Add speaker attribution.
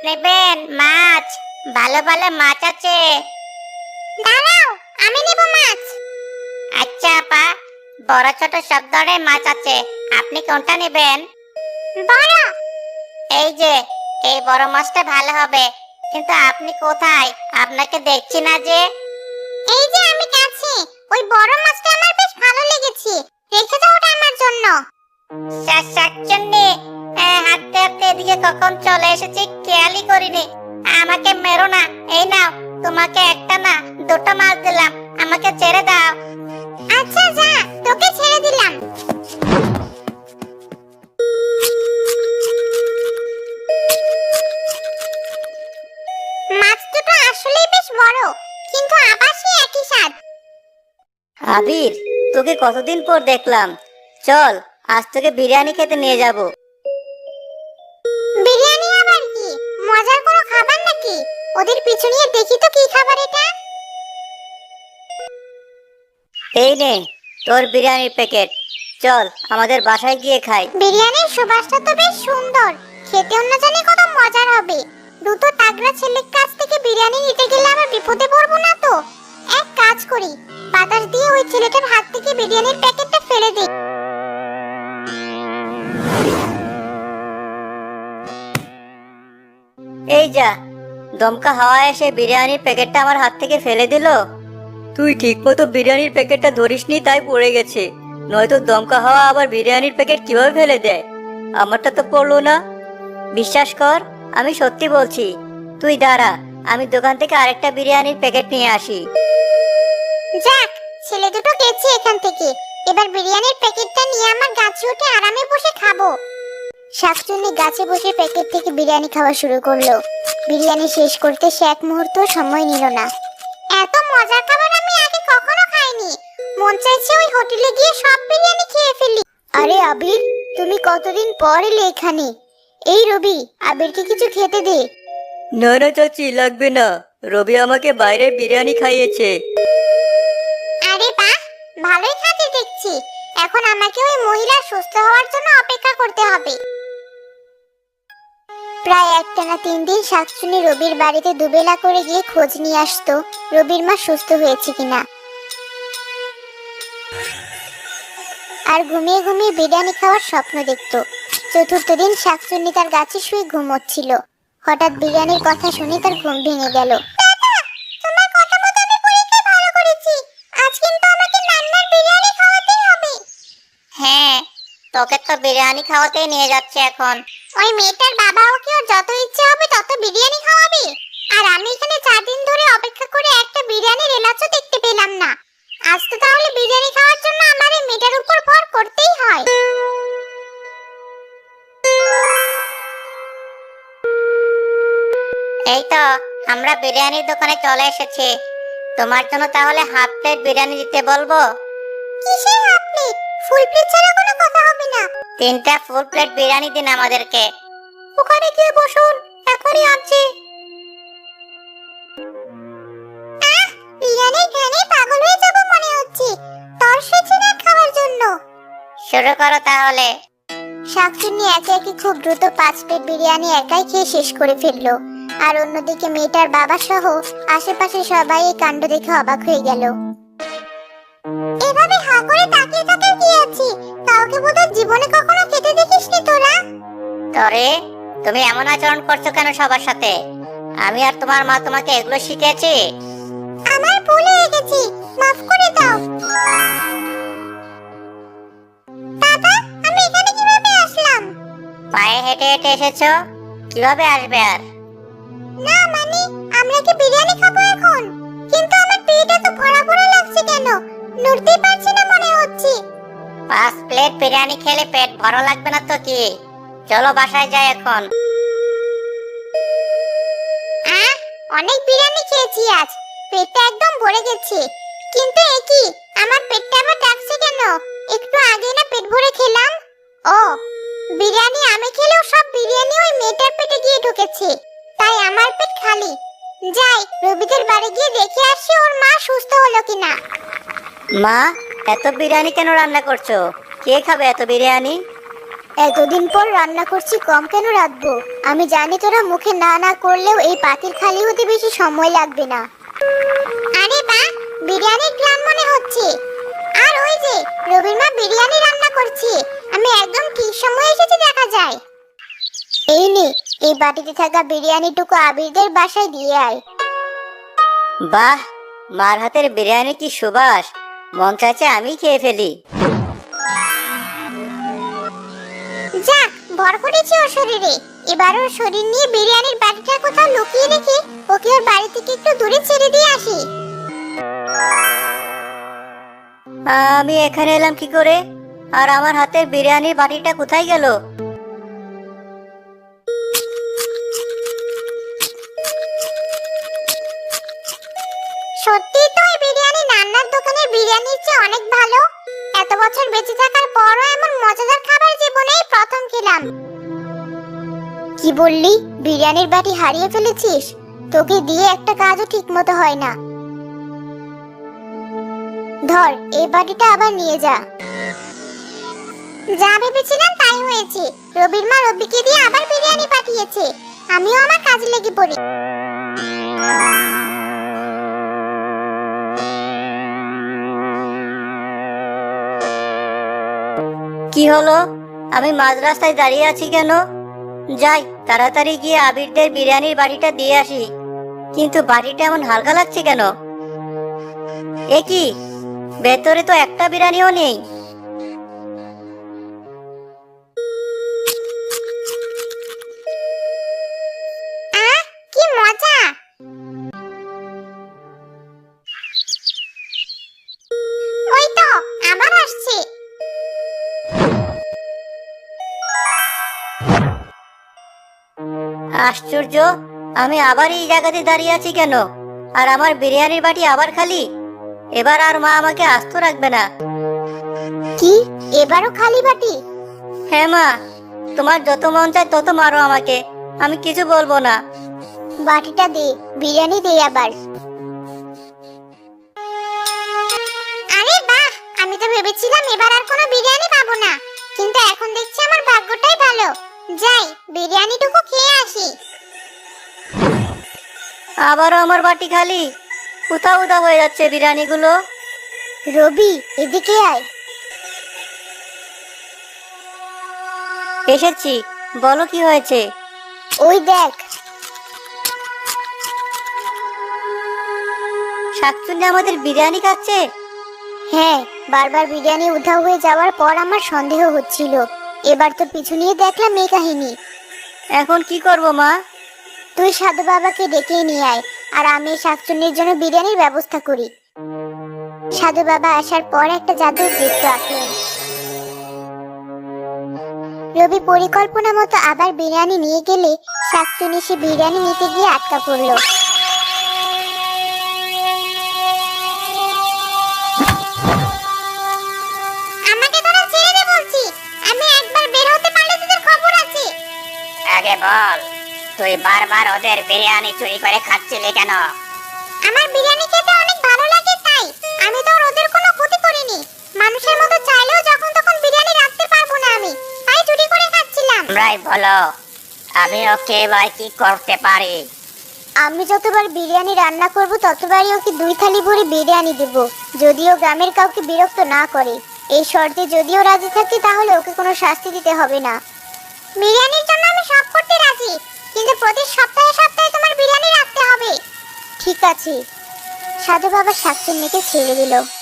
Speaker 1: নেবেন মাছ? ভালো ভালো মাছ আছে। দাঁড়াও, আমি নেব মাছ। আচ্ছা আপা, বড় ছোট সব ধরনের মাছ আছে, আপনি কোনটা নেবেন? বড়। এই যে, এই বড় মাছটা ভালো হবে। কিন্তু আপনি কোথায়? আপনাকে দেখছি না যে। এই যে আমি কাছে, ওই বড় মাছটা আমার বেশ ভালো লেগেছে, রেখে দাও ওটা আমার জন্য। শাকচুন্নি, হাঁটতে হাঁটতে এদিকে কখন চলে এসেছি খেয়ালই করিনি। আমাকে মেরো না। এই নাও, তোমাকে একটা না দুটো মাছ দিলাম, আমাকে ছেড়ে দাও। আচ্ছা যা, তোকে ছেড়ে দিলাম। মাছ দুটো আসলেই বেশ বড়, কিন্তু আবার সেই একই স্বাদ।
Speaker 2: আবির, তোকে কতদিন পর দেখলাম। চল, আজ তোকে বিরিয়ানি খেতে নিয়ে যাব।
Speaker 1: বিরিয়ানি আবার কি? মজার কোনো খাবার নাকি? ওদের পিছু নিয়ে দেখি তো কি খাবার এটা।
Speaker 2: এই নে তোর বিরিয়ানির প্যাকেট। চল আমাদের বাসায় গিয়ে খাই।
Speaker 1: বিরিয়ানির সুবাসটা তো বেশ সুন্দর, খেতেও না জানি কত মজার হবে। দুটো তাগড়া ছেলের কাছ থেকে বিরিয়ানি নিতে গেলে আবার বিপদে পড়বো না তো? এক কাজ করি, বাতাস দিয়ে ওই ছেলেটার হাত থেকে বিরিয়ানির প্যাকেটটা ফেলে দিই।
Speaker 2: এই যা, দমকা হাওয়া এসে বিরিয়ানির প্যাকেটটা আমার হাত থেকে ফেলে দিল। তুই ঠিকমতো বিরিয়ানির প্যাকেটটা ধরিসনি, তাই পড়ে গেছে। নয়তো দমকা হাওয়া আবার বিরিয়ানির প্যাকেট কিভাবে ফেলে দেয়? আমারটা তো পড়লো না। বিশ্বাস কর, আমি সত্যি বলছি। তুই দাঁড়া, আমি দোকান থেকে আরেকটা বিরিয়ানির প্যাকেট নিয়ে আসি।
Speaker 1: যাক, ছেলে দুটো গেছে এখান থেকে। এবার বিরিয়ানির প্যাকেটটা নিয়ে আমার গাছে উঠে আরামে বসে খাবো। শাকচুন্নি গাছে বসে প্যাকেট থেকে বিরিয়ানি খাওয়া শুরু করলো। বিরিয়ানি শেষ করতে সে এক মুহূর্ত সময় নিল না। এত মজার খাবার আমি আগে কখনো খাইনি। মন চাইছে ওই হোটেলে গিয়ে সব বিরিয়ানি খেয়ে ফেলি। আরে আবির, তুমি কতদিন পর এলে এখানে? এই রবি, আবিরকে কিছু খেতে দে।
Speaker 2: না না চাচি, লাগবে না। রবি আমাকে বাইরে বিরিয়ানি খাইয়েছে।
Speaker 1: আরে বাহ, ভালোই খাতে দেখছি। এখন আমাকে ওই মহিলা সুস্থ হওয়ার জন্য অপেক্ষা করতে হবে। প্রায় একটানা 3 দিন শাকচুন্নি রবির বাড়িতে দুবেলা করে গিয়ে খোঁজ নিয়ে আসতো রবির মা সুস্থ হয়েছে কিনা। আর ঘুমিয়ে ঘুমিয়ে বিরিয়ানি খাওয়ার স্বপ্ন দেখতো। চতুর্থ দিন শাকচুন্নি তার গাছে শুয়ে ঘুমোচ্ছিল। হঠাৎ বিরিয়ানির কথা শুনে তার ঘুম ভেঙে গেল। তোমার কথা মতো আমি পরীক্ষায় ভালো করেছি। আজ কিন্তু আমাকে নান্নার বিরিয়ানি খাওয়াতেই হবে। হ্যাঁ, তোকে তো বিরিয়ানি খাওয়াতেই নিয়ে যাচ্ছে এখন। ওই মেয়েটার বাবা ওকে ওর যত ইচ্ছে হবে তত বিরিয়ানি খাওয়াবে। আর আমি এখানে 4 দিন ধরে অপেক্ষা করে একটা বিরিয়ানির এলাচও দেখতে পেলাম না। আজ তো তাহলে বিরিয়ানি খাওয়ার জন্য আমার এই মেয়েটার উপর ভর করতেই হয়। এই তো, আমরা বিরিয়ানির দোকানে চলে এসেছি। তোমার জন্য তাহলে হাফ প্লেট বিরিয়ানি দিতে বলবো? কিসের হাফ প্লেট? ফুল প্লেট ছাড়া কোনো কথা হবে না। 3টা ফুল প্লেট বিরিয়ানি দিন আমাদেরকে। ওখানে গিয়ে বসুন, এখনই আনছি। বিরিয়ানির ঘ্রাণে পাগল হয়ে যাব মনে হচ্ছে। তরস হচ্ছে না খাওয়ার জন্য। শুরু করো তাহলে। শাকচুন্নি একে একে খুব দ্রুত 5 প্লেট বিরিয়ানি একাই খেয়ে শেষ করে ফেললো। আর অন্যদিকে মেয়েটার বাবা সহ আশেপাশে সবাই এই কাণ্ড দেখে অবাক হয়ে গেল। এভাবে হা করে তাকিয়ে থাকার কি আছে? কাউকে বোধহয় জীবনে কখনো খেতে দেখিসনি তোরা। তরে, তুমি এমন আচরণ করছো কেন সবার সাথে? আমি আর তোমার মা তোমাকে এগুলো শিখিয়েছি? আমার ভুল হয়ে গেছে, মাফ করে দাও। বাবা, আমি এখানে কিভাবে আসলাম? পায়ে হেঁটে হেঁটে এসেছো? কিভাবে আসবে আর? না মানে, আমরা কি বিরিয়ানি খাবো এখন? কিন্তু আমার পেট এত ভরা ভরা লাগছে কেন? নড়তেই পারছি না মনে হচ্ছে। 5 প্লেট বিরিয়ানি খেলে পেট ভরা লাগবে না তো কি? চলো বাসায় যাই এখন। অনেক বিরিয়ানি খেয়েছি আজ, পেটটা একদম ভরে গেছে। কিন্তু একই, আমার পেটটা আবার ডাকছে কেন? একটু আগে না পেট ভরে খেলাম। ও, বিরিয়ানি আমি খেলেও সব বিরিয়ানি ওই মেয়েটার পেটে গিয়ে ঢুকেছে, তাই আমার পেট খালি। যাই, রবিদের বাড়ি গিয়ে দেখে আসি ওর মা সুস্থ হলো কিনা।
Speaker 2: মা, এত বিরিয়ানি কেন রান্না করছো? কে খাবে এত বিরিয়ানি?
Speaker 1: এতদিন পর রান্না করছি, কম কেন রাখবো? আমি জানি তোরা মুখে না না করলেও এই পাতিল খালি হতে বেশি সময় লাগবে না। আরে বাহ, বিরিয়ানির গ্রাম মনে হচ্ছে। আর ওই যে রবির মা বিরিয়ানি রান্না করছে, আমি একদম ঠিক সময় এসেছি দেখা যায়। এই নে, এই বাটিতে থাকা বিরিয়ানিটুকু আবিরদের বাসায় দিয়ে আয়।
Speaker 2: বাহ, মার হাতের বিরিয়ানি কি সুবাস! মন চাইছে আমি খেয়ে ফেলি।
Speaker 1: যাক, ভর করেছি ওর শরীরে। এবার ওর শরীর নিয়ে বিরিয়ানির বাটিটা কোথাও লুকিয়ে রেখে ওকে ওর বাড়ি থেকে একটু দূরে ছেড়ে দিয়ে আসি।
Speaker 2: আমি এখানে এলাম কি করে? আর আমার হাতের বিরিয়ানির বাটিটা কোথায় গেল?
Speaker 1: সত্যি তো এই বিরিয়ানি নান্নার দোকানের বিরিয়ানির চেয়ে অনেক ভালো। এত বছর বেঁচে থাকার পরও এমন মজাদার খাবার জীবনেই প্রথম খেলাম। কি বললি, বিরিয়ানির বাটি হারিয়ে ফেলেছিস? তোকে দিয়ে একটা কাজও ঠিক মতো হয় না। ধর, এই বাটিটা আবার নিয়ে যা। যা ভেবেছিলাম তাই হয়েছে। রবির মা রবিকে দিয়ে আবার বিরিয়ানি পাঠিয়েছে। আমিও আমার কাজে লেগে পড়ি।
Speaker 2: কি হলো? আমি মাঝ রাস্তায় দাঁড়িয়ে আছি কেন? যাই, তাড়াতাড়ি গিয়ে আবিরদের বিরিয়ানির বাটিটা দিয়ে আসি। কিন্তু বাটিটা এমন হালকা লাগছে কেন? এ কি, ভেতরে তো একটা বিরিয়ানিও নেই।
Speaker 1: আহ, কি মজা! ওই তো আবার আসছে।
Speaker 2: আশ্চর্য, আমি আবার এই জায়গাতে দাঁড়িয়ে আছি কেন? আর আমার বিরিয়ানির বাটি আবার খালি। এবার আর মা আমাকে আস্ত রাখবে না।
Speaker 1: কি, এবারও খালি বাটি?
Speaker 2: হ্যাঁ মা, তোমার যত মন চায় তত মারো আমাকে, আমি কিছু বলবো না।
Speaker 1: বাটিটা দে, বিরিয়ানি দে আবার। আরে বাহ, আমি তো ভেবেছিলাম এবার আর কোনো বিরিয়ানি পাবো না, কিন্তু এখন দেখছি আমার ভাগ্যটাই ভালো। যাই, বিরিয়ানিটুকু খেয়ে আসি।
Speaker 2: আবারও আমার বাটি খালি। উদা উদা হয়ে যাচ্ছে বিরিয়ানিগুলো।
Speaker 1: রবি, এদিকে আয়।
Speaker 2: এসেছি, বলো কি হয়েছে?
Speaker 1: ওই দেখ।
Speaker 2: শাকচুন্নি আমাদের বিরিয়ানি খাচ্ছে।
Speaker 1: হ্যাঁ, বারবার বিরিয়ানি উধাও হয়ে যাওয়ার পর আমার সন্দেহ হচ্ছিল। এবার তো পিছু নিয়ে দেখলাম এই কাহিনী।
Speaker 2: এখন কি করব মা?
Speaker 1: তুই সাধু বাবাকে ডেকে নিয়ে আয়, আর আমি এই শাকচুন্নির জন্য বিরিয়ানির ব্যবস্থা করি। সাধু বাবা আসার পর একটা জাদুর বৃত্ত আঁকলেন। রবি পরিকল্পনা মতো আবার বিরিয়ানি নিয়ে গেলে শাকচুন্নি সে বিরিয়ানি নিতে গিয়ে আটকা পড়ল। আমাকে তোরা ছেড়ে দে বলছি, আমি একবার বের হতে পারলে তোদের খবর আছে।
Speaker 2: আগে বল, তুই বারবার ওদের বিরিয়ানি চুরি করে খাচ্ছিলি কেন?
Speaker 1: আমার বিরিয়ানি খেতে অনেক ভালো লাগে তাই। আমি তো আর ওদের কোনো ক্ষতি করিনি। মানুষের মতো চাইলেও যখন তখন বিরিয়ানি রাখতে পারবো না আমি, তাই চুরি করে খাচ্ছিলাম।
Speaker 2: আমরাই বলো, আমি ওকে এবার কি করতে পারি?
Speaker 1: আমি যতবার বিরিয়ানি রান্না করব ততবারই ওকে 2 থালি ভরে বিরিয়ানি দেব, যদিও গ্রামের কাউকে বিরক্ত না করে। এই শর্তে যদিও রাজি থাকে তাহলে ওকে কোনো শাস্তি দিতে হবে না। বিরিয়ানির জন্য আমি সব করতে রাজি, কিন্তু প্রতি সপ্তাহে সপ্তাহে তোমার বিরিয়ানি রাখতে হবে। ঠিক আছে। সাধু বাবা শাকচুন্নিকে ছেড়ে দিল।